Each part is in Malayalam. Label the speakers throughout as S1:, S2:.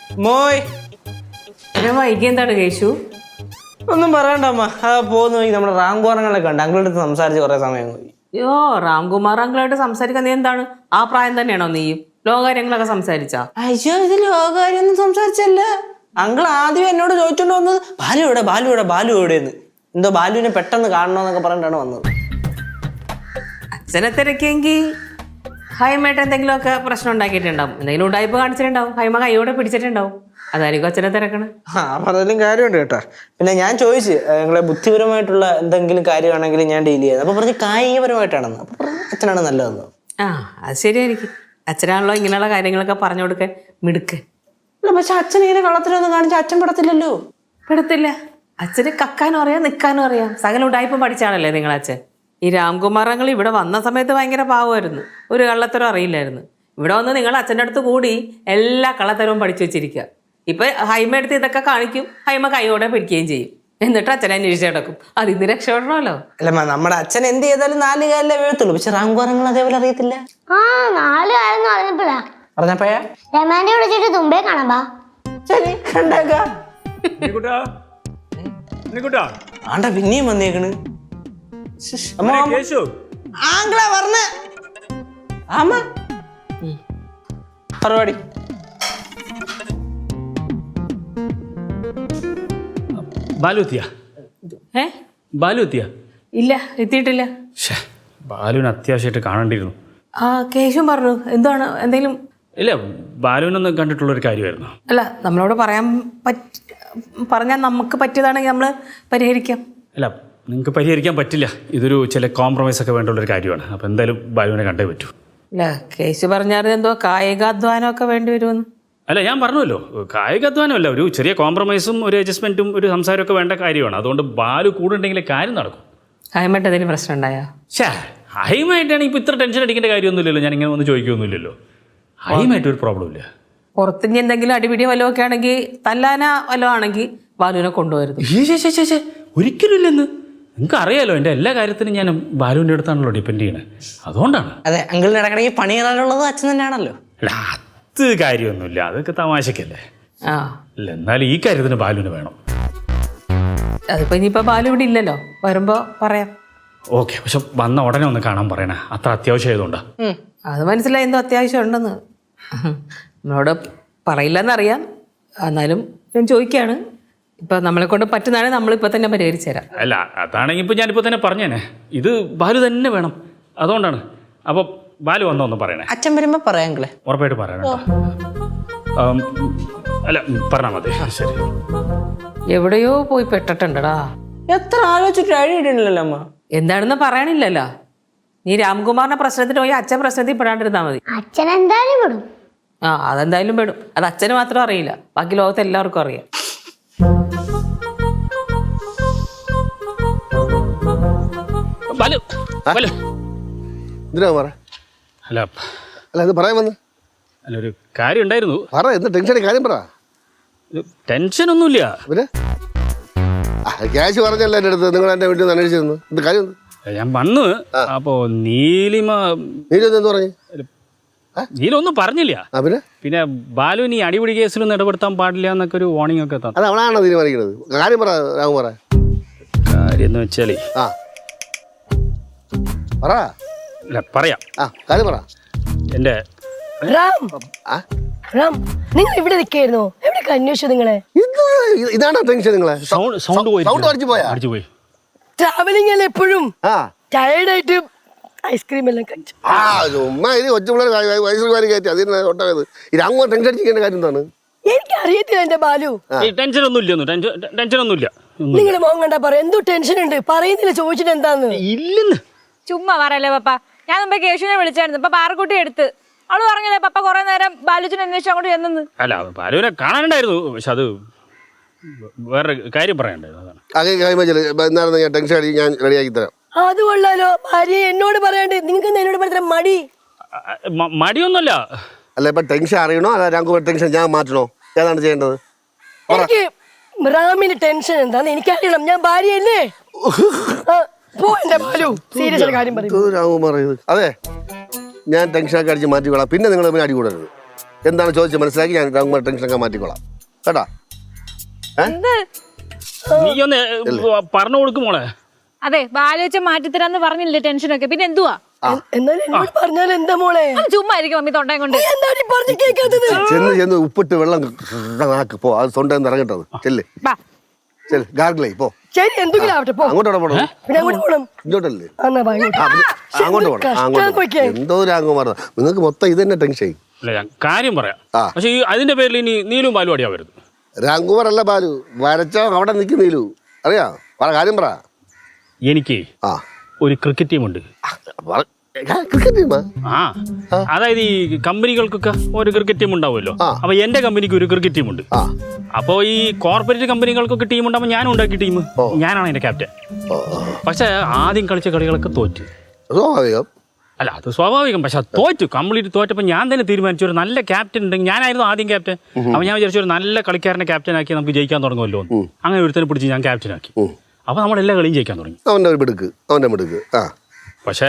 S1: മോയ്
S2: വൈകി എന്താണ് കേശു?
S1: ഒന്നും പറയണ്ട അമ്മ. പോകുന്ന വഴി നമ്മുടെ റാംകോറങ്ങളൊക്കെ ഉണ്ട്. അങ്കിളുടെ അടുത്ത് സംസാരിച്ച് കുറെ സമയം പോയി.
S2: അയ്യോ, രാംകുമാർ അങ്കിളായിട്ട് സംസാരിക്കാൻ നീ എന്താണ്? ആ പ്രായം തന്നെയാണോ നീയും? ലോകകാര്യങ്ങളൊക്കെ സംസാരിച്ചാ?
S1: അയ്യോ, ഇത് ലോകകാര്യൊന്നും സംസാരിച്ചല്ല. അങ്കിൾ ആദ്യം എന്നോട് ചോദിച്ചോണ്ട് വന്നത് ബാലു എവിടെയെന്ന്. എന്തോ ബാലുവിനെ പെട്ടെന്ന് കാണണമെന്നൊക്കെ പറഞ്ഞിട്ടാണ് വന്നത്.
S2: അച്ഛനെ തിരക്കിയെങ്കിൽ ഹൈമയായിട്ട് എന്തെങ്കിലുമൊക്കെ പ്രശ്നം ഉണ്ടാക്കിയിട്ടുണ്ടാവും. എന്തെങ്കിലും ഉടായ്പ കാണിച്ചിട്ടുണ്ടാവും. ഹൈമ കൈയോടെ പിടിച്ചിട്ടുണ്ടാവും. അതായിരിക്കും അച്ഛനെ തിരക്കണേ.
S1: പറഞ്ഞാലും കാര്യമുണ്ട് കേട്ടോ. പിന്നെ ഞാൻ ചോദിച്ചു നിങ്ങളെ ബുദ്ധിപരമായിട്ടുള്ള എന്തെങ്കിലും കാര്യമാണെങ്കിൽ ഞാൻ ഡീൽ ചെയ്യാം. അപ്പൊ പറഞ്ഞ് കായികപരമായിട്ടാണെന്ന്. അപ്പൊ പറഞ്ഞു അച്ഛനാണ് നല്ലതെന്ന്.
S2: അത് ശരിയായിരിക്കും. അച്ഛനാണല്ലോ ഇങ്ങനെയുള്ള കാര്യങ്ങളൊക്കെ പറഞ്ഞു കൊടുക്കാൻ മിടുക്ക്.
S1: അല്ല, പക്ഷെ അച്ഛൻ ഇങ്ങനെ കള്ളത്തിലൊന്നും കാണിച്ച അച്ഛൻ പെടത്തില്ലല്ലോ.
S2: പെടത്തില്ല. അച്ഛന് കക്കാനും അറിയാം, നിൽക്കാനും അറിയാം. സകല ഉടായ്പ പഠിച്ചാണല്ലേ നിങ്ങളച്ഛൻ. ഈ രാംകുമാർ അങ്കിൾ ഇവിടെ വന്ന സമയത്ത് ഭയങ്കര പാവമായിരുന്നു. ഒരു കള്ളത്തരം അറിയില്ലായിരുന്നു. ഇവിടെ വന്ന് നിങ്ങൾ അച്ഛൻ്റെ അടുത്ത് കൂടി എല്ലാ കള്ളത്തരവും പഠിച്ചു വെച്ചിരിക്കുക. ഇപ്പൊ ഹൈമ എടുത്ത് ഇതൊക്കെ കാണിക്കും. ഹൈമ കൈയോടെ പിടിക്കുകയും ചെയ്യും. എന്നിട്ട് അച്ഛനെ അന്വേഷിച്ച് കിടക്കും. അതിന്ന് രക്ഷപ്പെടണമല്ലോ.
S1: അല്ല, നമ്മുടെ അച്ഛൻ എന്ത് ചെയ്താലും 4 കാലിലേ വീഴത്തുള്ളൂ. പക്ഷെ റാംകുമാറങ്ങൾ അതേപോലെ അറിയത്തില്ല.
S3: 4 കാലം
S1: പറഞ്ഞപ്പോഴാ
S3: രമാനെ വിളിച്ചിട്ട് തുമ്പേ കാണാ.
S1: ശരി, കണ്ടേക്കാം. ആണ്ട പിന്നെയും വന്നേക്കണ്. പരിപാടി
S2: ബാലു ഇല്ല, എത്തിയിട്ടില്ല.
S4: ബാലുവിന് അത്യാവശ്യമായിട്ട് കാണേണ്ടിയിരുന്നു.
S2: കേശും പറഞ്ഞു. എന്താണ് എന്തെങ്കിലും?
S4: ഇല്ല, ബാലുവിനൊന്നും കണ്ടിട്ടുള്ളൊരു കാര്യമായിരുന്നു.
S2: അല്ല, നമ്മളോട് പറഞ്ഞാൽ നമുക്ക് പറ്റിയതാണെങ്കിൽ നമ്മൾ പരിഹരിക്കാം.
S4: അല്ല, നിങ്ങൾക്ക് പരിഹരിക്കാൻ പറ്റില്ല. ഇതൊരു ചില കോംപ്രമൈസ് ഒക്കെ വേണ്ടുള്ളൊരു കാര്യമാണ്. അപ്പം എന്തായാലും ബാലുവിനെ കണ്ടേ പറ്റൂ.
S2: അല്ല, കേശു പറഞ്ഞാൽ എന്തോ കായികാധ്വാനമൊക്കെ വേണ്ടി വരുമെന്ന്.
S4: അല്ല, ഞാൻ പറഞ്ഞല്ലോ, കായികാധ്വാനമല്ല, ഒരു ചെറിയ കോംപ്രമൈസും ഒരു അഡ്ജസ്റ്റ്മെൻറ്റും ഒരു സംസാരമൊക്കെ വേണ്ട കാര്യമാണ്. അതുകൊണ്ട് ബാലു കൂടെ ഉണ്ടെങ്കിലേ കാര്യം നടക്കും.
S2: ഹൈമായിട്ട് എന്തെങ്കിലും പ്രശ്നം ഉണ്ടായോ?
S4: ഹൈമായിട്ടാണ് ഇപ്പോൾ ഇത്ര ടെൻഷൻ അടിക്കേണ്ട കാര്യമൊന്നുമില്ലല്ലോ. ഞാൻ ഇങ്ങനെ ഒന്ന് ചോദിക്കുകയൊന്നുമില്ലല്ലോ. ഹൈമായിട്ട് ഒരു പ്രോബ്ലം ഇല്ല.
S2: പുറത്തുനിന്ന് എന്തെങ്കിലും അടിപിടി വല്ലതും ഒക്കെ ആണെങ്കിൽ, തല്ലാന വല്ലതും ആണെങ്കിൽ ബാലുവിനെ കൊണ്ടുവരുന്നു.
S4: ഒരിക്കലും ഇല്ലെന്ന് നിങ്ങൾക്ക് അറിയാലോ. എൻ്റെ എല്ലാ കാര്യത്തിനും ഞാൻ ബാലുവിൻ്റെ അടുത്താണല്ലോ ഡിപ്പെൻഡ് ചെയ്യണത്. അതുകൊണ്ടാണ്.
S1: അതെ, അങ്കിളിന് ഇടക്കിടയ്ക്ക് പണി ചെയ്യാനുള്ളത് അച്ഛൻ തന്നെയാണല്ലോ.
S4: അല്ല, അത് കാര്യമൊന്നുമില്ല. അതൊക്കെ തമാശക്കല്ലേ. അല്ല, എന്നാലും ഈ കാര്യത്തിന് ബാലുവിന് വേണം.
S2: അതിപ്പോ ഇനിയിപ്പോ ബാലു ഇവിടെ ഇല്ലല്ലോ. വരുമ്പോ പറയാം.
S4: ഓക്കെ, പക്ഷെ വന്ന ഉടനെ ഒന്ന് കാണാൻ പറയണേ. അത്ര അത്യാവശ്യം ആയതുകൊണ്ടാ.
S2: അത് മനസ്സിലായി, എന്തോ അത്യാവശ്യം ഉണ്ടെന്ന്. നമ്മളോട് പറയില്ലെന്നറിയാം. എന്നാലും ഞാൻ ചോദിക്കുകയാണ്. ഇപ്പൊ നമ്മളെ കൊണ്ട് പറ്റുന്നതാണെങ്കിൽ നമ്മളിപ്പോ തന്നെ പരിഹരിച്ചു തരാം.
S4: അല്ല, അതാണെങ്കിൽ ഇപ്പൊ ഞാനിപ്പോ തന്നെ പറഞ്ഞേനെ. ഇത് ബാലു തന്നെ വേണം. അതുകൊണ്ടാണ്. അപ്പൊ ബാലു വന്നോന്ന് പറയണേ.
S1: അച്ഛൻ വരുമ്പോ പറയാം.
S4: ഉറപ്പായിട്ട് പറയണം. അല്ല, പറഞ്ഞാൽ മതി. ശരി.
S2: എവിടെയോ പോയി പെട്ടിട്ടുണ്ടടാ.
S1: എത്ര ആലോചിച്ചിട്ട് അഴിയിട്ടില്ലല്ലോ അമ്മ.
S2: എന്താണെന്ന് പറയണില്ലല്ലോ. നീ രാംകുമാറിന്റെ പ്രശ്നത്തിന് പോയി അച്ഛൻ പ്രശ്നത്തിൽ പെടാണ്ടിരുന്നാ മതി.
S3: അച്ഛൻ എന്തായാലും വിടും.
S2: അതെന്തായാലും പെടും. അത് അച്ഛന് മാത്രം അറിയില്ല, ബാക്കി ലോകത്ത് എല്ലാവർക്കും അറിയാം.
S4: അല്ല, ഒരു കാര്യം ഉണ്ടായിരുന്നു. ടെൻഷൻ ഒന്നുമില്ല.
S5: ക്യാഷ് പറഞ്ഞല്ലോ എൻ്റെ അടുത്ത്. നിങ്ങൾ എൻ്റെ വീട്ടിൽ നിന്ന് അന്വേഷിച്ചിരുന്നു. എന്ത് കാര്യം?
S4: ഞാൻ വന്ന് അപ്പോ നീലിമ
S5: പറഞ്ഞു.
S4: നീലൊന്നും പറഞ്ഞില്ല. പിന്നെ ബാലുവിന് ഈ അടിപിടി കേസിലൊന്നും ഇടപെടുത്താൻ പാടില്ല എന്നൊക്കെ ഒരു വാർണിംഗ് ഒക്കെ തന്നെ.
S5: അത് അവളാണോ തീരുമാനിക്കുന്നത്? കാര്യം പറ രാഘുമാറ.
S4: കാര്യം എന്ന് വെച്ചാലേ പറയാം.
S5: കാര്യം പറ.
S4: എന്റെ
S6: നിങ്ങൾ ഇവിടെ നിൽക്കായിരുന്നോ? എവിടെയൊക്കെ അന്വേഷിച്ചു നിങ്ങളെ?
S5: ഇതാണോ ടെൻഷൻ? നിങ്ങളെ
S4: സൗണ്ട് അടിച്ചു പോയി.
S6: ട്രാവലിംഗ് അല്ലേ എപ്പോഴും. ടയർഡായിട്ട് ഐസ്ക്രീം എല്ലാം കഴിച്ചു.
S5: ടെൻഷൻ അടിക്കേണ്ട കാര്യം എന്താണ്?
S6: എനിക്ക് അറിയത്തില്ല എന്റെ ബാലു.
S4: ടെൻഷൻ ഒന്നുമില്ല.
S6: നിങ്ങൾ മോൻ കണ്ടാ പറയാം എന്തോ ടെൻഷൻ ഉണ്ട്. പറയുന്നില്ല, ചോദിച്ചിട്ട് എന്താന്ന്.
S4: ഇല്ലെന്ന്
S7: ചുമ്മാ പറയല്ലേ പപ്പ. ഞാൻ മുമ്പേ കേശുവിനെ വിളിച്ചായിരുന്നു. ഇപ്പൊ പാറക്കുട്ടി എടുത്ത് അവള് പറഞ്ഞല്ലേ പപ്പ കുറെ നേരം ബാലുവിനെ അന്വേഷിച്ച് അങ്ങോട്ട് ചെന്നു.
S4: അല്ല, ബാലുവിനെ കാണാനുണ്ടായിരുന്നു. പക്ഷെ അത് വേറെ കാര്യം പറയണ്ടായിരുന്നു.
S5: ഞാൻ റെഡിയാക്കി തരാം.
S6: അത് കൊള്ളാലോ. ഭാര്യ എന്നോട് പറയാണ്ട് നിങ്ങൾക്ക് എന്നോട് പറയാൻ മടി?
S4: മടിയൊന്നുമല്ല.
S5: അല്ല, ഇപ്പൊ ടെൻഷൻ അറിയണോ? അല്ല, രാംകുമാർ ടെൻഷൻ ഞാൻ മാറ്റണോ? ഏതാണ് ചെയ്യേണ്ടത്?
S6: എനിക്ക് റാമിന് ടെൻഷൻ എന്താന്ന് എനിക്കറിയണം. ഞാൻ ഭാര്യയല്ലേ. സീരിയസ് കാര്യം പറയും.
S5: അതെ, ഞാൻ ടെൻഷനൊക്കെ അടിച്ച് മാറ്റിക്കൊള്ളാം. പിന്നെ നിങ്ങൾ അടി കൂടരുത്. എന്താണ് ചോദിച്ചത് മനസ്സിലാക്കി ഞാൻ രാംകുമാർ ടെൻഷനൊക്കെ മാറ്റിക്കോളാം കേട്ടാ.
S7: എന്ത്
S4: നീ ഒന്ന് പറഞ്ഞു കൊടുക്കും മോളെ.
S7: അതെ ബാലുവച്ചൻ മാറ്റിത്തരാന്ന് പറഞ്ഞില്ലേ ടെൻഷനൊക്കെ, പിന്നെ എന്തുവാ?
S6: എന്നാലും എന്നോട് പറഞ്ഞാൽ എന്താ മോളെ?
S7: ഒന്ന് ചുമ്മാ ഇരിക്കും മമ്മി തൊണ്ടയും കൊണ്ട്.
S6: എന്താണ് പറഞ്ഞു കേൾക്കാത്തത്?
S5: ചെന്ന് ഉപ്പിട്ട് വെള്ളം നാക്ക് പോ, അത് തൊണ്ടെന്ന് ഇറങ്ങട്ടത്. ചെല്ല്
S7: ബാ.
S5: ചെല് ഗാർഗിളേ പോ.
S6: ശരി എന്തെങ്കിലും ആവട്ടെ പോ.
S5: അങ്ങോട്ടോടെ പോണം.
S6: പിന്നെ അങ്ങോട്ട് പോണം.
S5: ഇങ്ങോട്ടല്ലേ?
S6: എന്നാ വാ, ഇങ്ങോട്ട്.
S5: അങ്ങോട്ട് പോണം. അങ്ങോട്ട്
S6: കൊയ്ക്കേ.
S5: എന്തോ രാംകുമാർ നിങ്ങൾക്ക് മൊത്തം ഇത് തന്നെ ടെൻഷൻ.
S4: അല്ല ഞാൻ കാര്യം പറയാം. പക്ഷെ ഈ അതിന്റെ പേരിൽ ഇനി നീലും ബാലും അടിയാ വരുന്നത്.
S5: രാംകുമാർ അല്ല ബാലു, വരച്ചോ അവിടെ നിൽക്കും നീലു. അറിയാ പറ, കാര്യം പറ.
S4: എനിക്ക് ഒരു ക്രിക്കറ്റ് ടീമുണ്ട്.
S5: ക്രിക്കറ്റ് ടീമാ?
S4: അതായത് ഈ കമ്പനികൾക്കൊക്കെ ഒരു ക്രിക്കറ്റ് ടീം ഉണ്ടാവുമല്ലോ. അപ്പൊ എന്റെ കമ്പനിക്ക് ഒരു ക്രിക്കറ്റ് ടീമുണ്ട്. അപ്പൊ ഈ കോർപ്പറേറ്റ് കമ്പനികൾക്കൊക്കെ ടീം ഉണ്ടാകുമ്പോൾ ഞാനും ഉണ്ടാക്കിയ ടീം, ഞാനാണ് എന്റെ ക്യാപ്റ്റൻ. പക്ഷെ ആദ്യം കളിച്ച കളികളൊക്കെ തോറ്റ്.
S5: സ്വാഭാവികം.
S4: അല്ല അത് സ്വാഭാവികം. പക്ഷെ തോറ്റു, കംപ്ലീറ്റ് തോറ്റപ്പോൾ ഞാൻ തന്നെ തീരുമാനിച്ചു ഒരു നല്ല ക്യാപ്റ്റൻ ഉണ്ടെങ്കിൽ, ഞാനായിരുന്നു ആദ്യം ക്യാപ്റ്റൻ. അപ്പൊ ഞാൻ വിചാരിച്ചു ഒരു നല്ല കളിക്കാരനെ ക്യാപ്റ്റൻ ആക്കി നമുക്ക് ജയിക്കാൻ തുടങ്ങുമല്ലോ. അങ്ങനെ ഒരുത്തനെ പിടിച്ച് ഞാൻ ക്യാപ്റ്റൻ ആക്കി. അപ്പൊ നമ്മൾ എല്ലാ കളിയും ജയിക്കാൻ തുടങ്ങി.
S5: അവന്റെ മിടുക്ക്.
S4: പക്ഷേ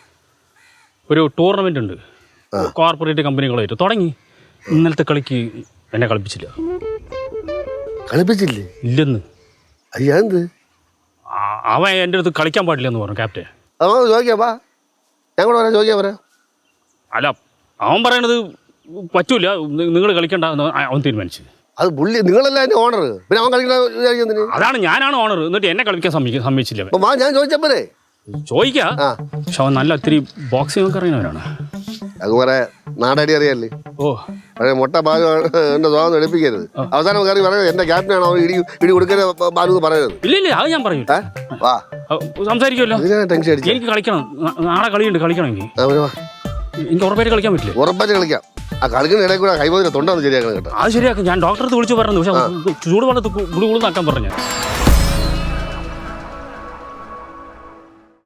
S4: ഒരു ടൂർണമെന്റ് ഉണ്ട് കോർപ്പറേറ്റ് കമ്പനികളായിട്ട് തുടങ്ങി. ഇന്നലത്തെ കളിക്ക് എന്നെ കളിപ്പിച്ചില്ല.
S5: കളിപ്പിച്ചില്ലേ?
S4: ഇല്ലെന്ന്.
S5: അയ്യാ എന്ത്?
S4: അവൻ എൻ്റെ അടുത്ത് കളിക്കാൻ പാടില്ലെന്ന് പറഞ്ഞു ക്യാപ്റ്റൻ.
S5: ചോദിക്കാ ഞങ്ങളോട് വരാം, ചോദിക്കാൻ പറയാം.
S4: അല്ല അവൻ പറയണത് പറ്റൂല, നിങ്ങൾ കളിക്കണ്ട അവൻ തീരുമാനിച്ചു.
S5: അത് പുള്ളി നിങ്ങളല്ല അതിന്റെ ഓണർ, പിന്നെ അവൻ കളിക്കുന്ന
S4: അതാണ് ഞാനാണ് ഓണർ. എന്നിട്ട് എന്നെ കളിക്കാൻ സമ്മതിച്ചില്ല.
S5: ഞാൻ ചോദിച്ചപ്പോഴേ
S4: ചോദിക്കാം. പക്ഷെ അവൻ നല്ല ഒത്തിരി ബോക്സിംഗ് ഒക്കെ അറിയുന്നവരാണ്.
S5: അതുപോലെ നാടടി അറിയാല്ലേ? പഴയ മുട്ട ബാലു എന്റെ സ്വാഗതം എടുപ്പിക്കരുത്. അവസാനം കയറി പറയുന്നത് എന്റെ ക്യാപ്റ്റനാണ്, അവൻ ഇടി കൊടുക്കരുത് ബാലു എന്ന് പറയരുത്.
S4: ഇല്ല അത് ഞാൻ പറയൂ. സംസാരിക്കുമല്ലോ.
S5: ടെൻഷൻ അടിച്ചു.
S4: എനിക്ക് കളിക്കണം, നാളെ കളിയുണ്ട്. കളിക്കണമെങ്കിൽ എനിക്ക് ഉറപ്പായിട്ട് കളിക്കാൻ പറ്റില്ല.
S5: ഉറപ്പായിട്ട് കളിക്കാം. ആ കളിക്കുന്ന ഇടയിൽ കൂടെ കൈമോതിരെ തൊണ്ടാന്ന് ശരിയാക്കണം കേട്ടോ.
S4: അത് ശരിയാക്കും. ഞാൻ ഡോക്ടറെ വിളിച്ചു പറഞ്ഞു. പക്ഷെ ചൂടുവെള്ളത്ത് ഗുളി നാക്കാൻ പറഞ്ഞു.